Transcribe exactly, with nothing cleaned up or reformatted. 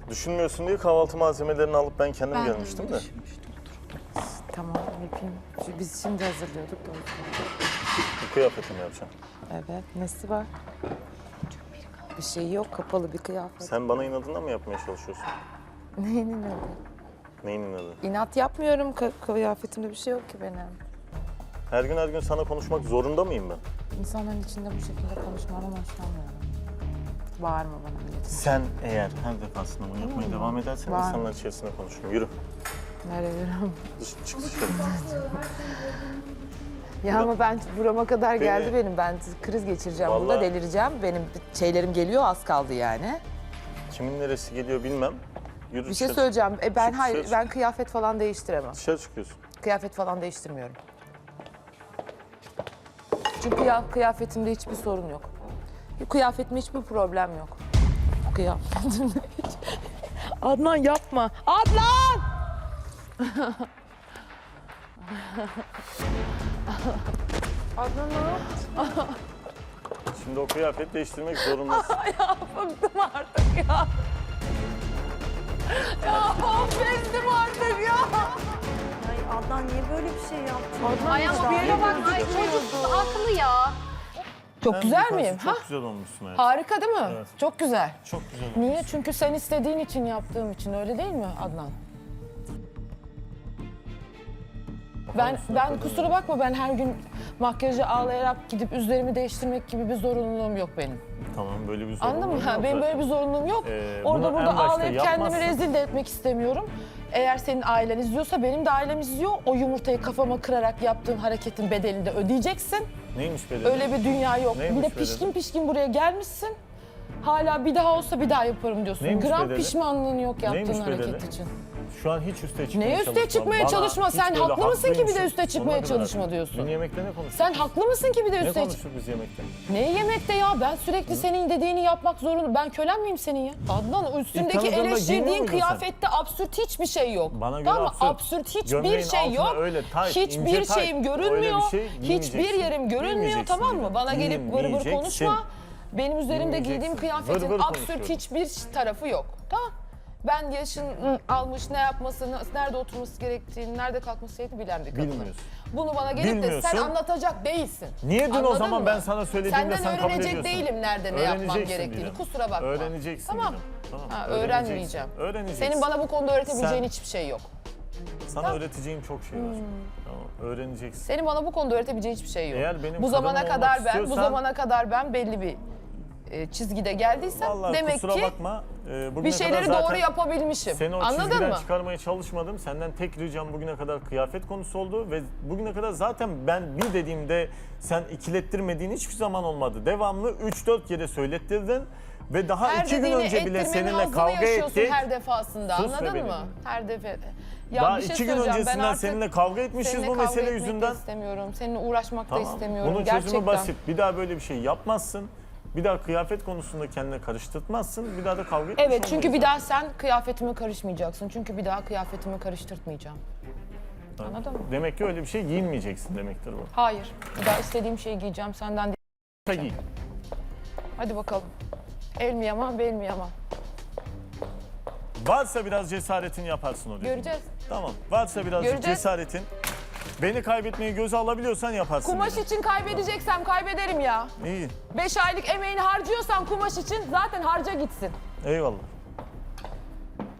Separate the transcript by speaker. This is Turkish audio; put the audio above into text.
Speaker 1: Düşünmüyorsun diye kahvaltı malzemelerini alıp ben kendim
Speaker 2: Ben de
Speaker 1: gelmiştim
Speaker 2: öyle
Speaker 1: de.
Speaker 2: düşünmüştüm.
Speaker 3: Tamam yapayım. Şu- Biz şimdi hazırlıyorduk da o yüzden.
Speaker 1: Bu kıyafetimi yapacağım.
Speaker 3: Evet. Nesi var? Bir şey yok. Kapalı bir kıyafet.
Speaker 1: Sen bana inadına mı yapmaya çalışıyorsun?
Speaker 3: Neyin inadı?
Speaker 1: Neyin inadı?
Speaker 3: İnat yapmıyorum. Ka- kıyafetimde bir şey yok ki benim.
Speaker 1: Her gün her gün sana konuşmak zorunda mıyım ben?
Speaker 3: İnsanların içinde bu şekilde konuşmadan hoşlanmıyorum. Bağırma bana milletin.
Speaker 1: Sen eğer her defasında bunu yapmaya devam edersen
Speaker 3: Var.
Speaker 1: insanlar içerisinde konuşurum. Yürü.
Speaker 3: Nereye yürüyorum?
Speaker 1: Dış, çık dışarı.
Speaker 3: Ya ama ben burama kadar
Speaker 1: Beni-
Speaker 3: geldi benim. Ben kriz geçireceğim burada,
Speaker 1: Vallahi-
Speaker 3: delireceğim. Benim şeylerim geliyor, az kaldı yani.
Speaker 1: Kimin neresi geliyor bilmem. Yürü
Speaker 3: Bir şey
Speaker 1: dışarı.
Speaker 3: söyleyeceğim. E ben
Speaker 1: Çık,
Speaker 3: hayır,
Speaker 1: dışarı
Speaker 3: ben kıyafet falan değiştiremem.
Speaker 1: Dışarı çıkıyorsun.
Speaker 3: Kıyafet falan değiştirmiyorum. Çünkü ya, kıyafetimde hiçbir sorun yok. Kıyafetimde hiçbir problem yok. Kıyafetimde hiç... Adnan yapma. Adnan! Adnan ne yaptın?
Speaker 1: Şimdi o kıyafet değiştirmek zorundasın.
Speaker 3: Ya bıktım artık ya. Ya of bezdim artık ya.
Speaker 2: Ay Adnan niye böyle bir şey yaptın?
Speaker 3: Adnan
Speaker 4: Ay ama bir yere bak, ay çocuk haklı ya.
Speaker 3: Çok
Speaker 1: Sen
Speaker 3: güzel
Speaker 1: yukarısı
Speaker 3: miyim?
Speaker 1: Çok
Speaker 3: Ha?
Speaker 1: güzel olmuşsun hayatım.
Speaker 3: Harika değil mi?
Speaker 1: Evet.
Speaker 3: Çok güzel.
Speaker 1: Çok güzel olmuş.
Speaker 3: Niye? Çünkü sen istediğin için yaptığım için, öyle değil mi Adnan? Ben
Speaker 1: mısın
Speaker 3: ben
Speaker 1: kadın
Speaker 3: kusura bakma, ben her gün makyajı ağlayarak gidip üzerimi değiştirmek gibi bir zorunluluğum yok benim.
Speaker 1: Tamam böyle bir sorun
Speaker 3: Anladın mı? Ha, benim böyle bir zorunluluğum yok.
Speaker 1: Ee,
Speaker 3: Orada
Speaker 1: bunu
Speaker 3: burada
Speaker 1: en başta
Speaker 3: ağlayıp kendimi
Speaker 1: yapmazsın.
Speaker 3: rezil de etmek istemiyorum. Eğer senin ailen izliyorsa, benim de ailem izliyor. O yumurtayı kafama kırarak yaptığın hareketin bedelini de ödeyeceksin.
Speaker 1: Neymiş bedeli?
Speaker 3: Öyle bir dünya yok.
Speaker 1: Neymiş
Speaker 3: bir de
Speaker 1: bedeli?
Speaker 3: pişkin pişkin buraya gelmişsin. Hala bir daha olsa bir daha yaparım diyorsun.
Speaker 1: Neymiş
Speaker 3: Gram
Speaker 1: bedeli?
Speaker 3: pişmanlığın yok yaptığın
Speaker 1: Neymiş
Speaker 3: hareket
Speaker 1: bedeli?
Speaker 3: için.
Speaker 1: Şu an hiç üste çıkmaya
Speaker 3: Neye
Speaker 1: çalışma.
Speaker 3: üste çıkmaya
Speaker 1: Bana
Speaker 3: çalışma?
Speaker 1: hiç
Speaker 3: Sen
Speaker 1: böyle
Speaker 3: haklı mısın ki bir de
Speaker 1: haklıymışım.
Speaker 3: üste çıkmaya
Speaker 1: Sonuna kadar
Speaker 3: çalışma
Speaker 1: haklı.
Speaker 3: diyorsun.
Speaker 1: Dün yemekte ne konuştuk?
Speaker 3: Sen haklı mısın ki bir de
Speaker 1: Ne
Speaker 3: üste çık...
Speaker 1: konuştuk biz yemekte?
Speaker 3: Ne yemekte ya? Ben sürekli senin dediğini yapmak zorunda. Ben kölen miyim senin ya? Adnan, üstündeki
Speaker 1: tanıdığında giymiyor
Speaker 3: eleştirdiğin
Speaker 1: muydun sen?
Speaker 3: kıyafette absürt hiçbir şey yok.
Speaker 1: Bana göre
Speaker 3: tamam mı?
Speaker 1: absürt.
Speaker 3: Absürt hiçbir
Speaker 1: Gömleğin
Speaker 3: şey
Speaker 1: altına
Speaker 3: yok.
Speaker 1: öyle tayt,
Speaker 3: Hiçbir
Speaker 1: ince tayt,
Speaker 3: şeyim
Speaker 1: öyle
Speaker 3: görünmüyor.
Speaker 1: bir şey
Speaker 3: Hiçbir
Speaker 1: giymeyeceksin.
Speaker 3: yerim görünmüyor,
Speaker 1: Giymeyeceksin
Speaker 3: tamam mı?
Speaker 1: dedim.
Speaker 3: Bana gelip vır vır
Speaker 1: Giymeyeceksin.
Speaker 3: konuşma. Benim üzerimde giydiğim
Speaker 1: Giymeyeceksin.
Speaker 3: kıyafetin
Speaker 1: Vır vır
Speaker 3: absürt
Speaker 1: konuşuyorum.
Speaker 3: hiçbir tarafı yok. Tamam. Ben yaşın ı, almış, ne yapması, nerede oturması gerektiğini, nerede kalkması gerektiğini bilen bir kadınım.
Speaker 1: Bilmiyorsun.
Speaker 3: Bunu bana gelip de sen
Speaker 1: Bilmiyorsun.
Speaker 3: anlatacak değilsin.
Speaker 1: Niye dün o
Speaker 3: Anladın
Speaker 1: zaman
Speaker 3: mı?
Speaker 1: ben sana söylediğimde
Speaker 3: Senden
Speaker 1: sen kabul
Speaker 3: öğrenecek
Speaker 1: ediyorsun?
Speaker 3: değilim nerede ne yapmam
Speaker 1: Öğreneceksin
Speaker 3: gerektiğini.
Speaker 1: diyeceğim.
Speaker 3: Kusura bakma.
Speaker 1: Öğreneceksin
Speaker 3: Tamam.
Speaker 1: diyeceğim. Tamam.
Speaker 3: Ha,
Speaker 1: öğreneceksin.
Speaker 3: öğrenmeyeceğim.
Speaker 1: Öğreneceksin.
Speaker 3: Senin bana bu konuda öğretebileceğin
Speaker 1: Sen-
Speaker 3: hiçbir şey yok.
Speaker 1: Sana
Speaker 3: Tamam.
Speaker 1: öğreteceğim çok şey var. Tamam. Öğreneceksin.
Speaker 3: Senin bana bu konuda öğretebileceğin hiçbir şey yok.
Speaker 1: Eğer benim
Speaker 3: bu zamana
Speaker 1: kadınım
Speaker 3: kadar
Speaker 1: olmak
Speaker 3: ben, bu
Speaker 1: istiyorsan-
Speaker 3: zamana kadar ben belli bir e, çizgide geldiysem
Speaker 1: Vallahi
Speaker 3: demek
Speaker 1: kusura
Speaker 3: ki
Speaker 1: bakma. e, bugüne
Speaker 3: bir
Speaker 1: kadar
Speaker 3: şeyleri
Speaker 1: zaten
Speaker 3: doğru yapabilmişim.
Speaker 1: Seni o
Speaker 3: Anladın
Speaker 1: çizgiden
Speaker 3: mı?
Speaker 1: çıkarmaya çalışmadım. Senden tek ricam bugüne kadar kıyafet konusu oldu ve bugüne kadar zaten ben bir dediğimde sen ikilettirmediğin hiçbir zaman olmadı. Devamlı üç dört kere söylettirdin ve daha
Speaker 3: Her
Speaker 1: iki gün
Speaker 3: dediğini
Speaker 1: önce bile
Speaker 3: ettirmenin
Speaker 1: seninle
Speaker 3: hazzını
Speaker 1: kavga
Speaker 3: yaşıyorsun
Speaker 1: ettik.
Speaker 3: her defasında.
Speaker 1: Sus be
Speaker 3: Anladın
Speaker 1: benim.
Speaker 3: mı? Her defa. Ya
Speaker 1: Daha
Speaker 3: bir şey
Speaker 1: iki gün
Speaker 3: söyleyeceğim. Ben
Speaker 1: öncesinden
Speaker 3: artık
Speaker 1: seninle kavga etmişiz
Speaker 3: seninle
Speaker 1: bu
Speaker 3: kavga
Speaker 1: mesele
Speaker 3: etmek de
Speaker 1: yüzünden.
Speaker 3: istemiyorum. Seninle uğraşmak da
Speaker 1: Tamam.
Speaker 3: istemiyorum.
Speaker 1: Bunun
Speaker 3: Gerçekten.
Speaker 1: çözümü basit. Bir daha böyle bir şey yapmazsın. Bir daha kıyafet konusunda kendine karıştırtmazsın. Bir daha da kavga etmiş
Speaker 3: Evet, çünkü
Speaker 1: olmayız.
Speaker 3: bir daha sen kıyafetime karışmayacaksın. Çünkü bir daha kıyafetimi karıştırtmayacağım. Anladın mı?
Speaker 1: Demek ki öyle bir şey giyinmeyeceksin demektir bu.
Speaker 3: Hayır. Bir daha istediğim şeyi giyeceğim senden değil.
Speaker 1: Giy.
Speaker 3: Hadi bakalım. El mi yaman, bel mi yaman?
Speaker 1: Varsa biraz cesaretin yaparsın o dediğini.
Speaker 3: Göreceğiz.
Speaker 1: Tamam. Varsa birazcık
Speaker 3: Göreceğiz.
Speaker 1: cesaretin. Beni kaybetmeyi göze alabiliyorsan yaparsın.
Speaker 3: Kumaş
Speaker 1: dedi.
Speaker 3: için kaybedeceksem kaybederim ya.
Speaker 1: İyi.
Speaker 3: Beş aylık emeğini harcıyorsan kumaş için zaten harca gitsin.
Speaker 1: Eyvallah.